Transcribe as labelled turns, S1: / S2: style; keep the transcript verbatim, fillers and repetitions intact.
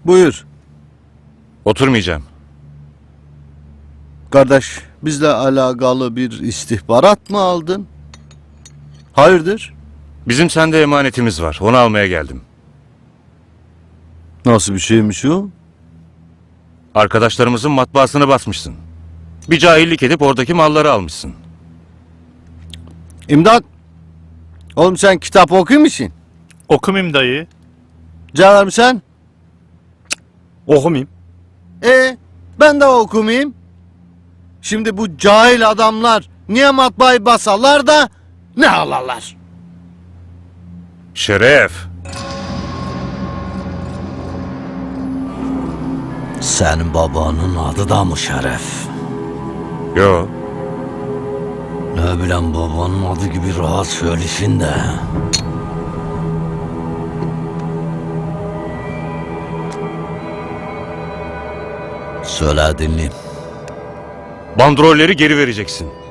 S1: Buyur.
S2: Oturmayacağım.
S1: Kardeş, bizle alakalı bir istihbarat mı aldın? Hayırdır?
S2: Bizim sende emanetimiz var. Onu almaya geldim.
S1: Nasıl bir şeymiş o?
S2: Arkadaşlarımızın matbaasını basmışsın. Bir cahillik edip oradaki malları almışsın.
S1: İmdat! Oğlum sen kitap okuyor musun?
S3: Okumayayım dayı.
S1: Cevher mi sen?
S3: Okumayayım.
S1: E ben de okumayayım. Şimdi bu cahil adamlar niye matbaayı basarlar da ne alarlar?
S2: Şeref!
S1: Senin babanın adı da mı Şeref?
S2: Yo.
S1: Ne bileyim babanın adı gibi rahat söylesin de. Söyle dinleyeyim.
S2: Bandrolleri geri vereceksin.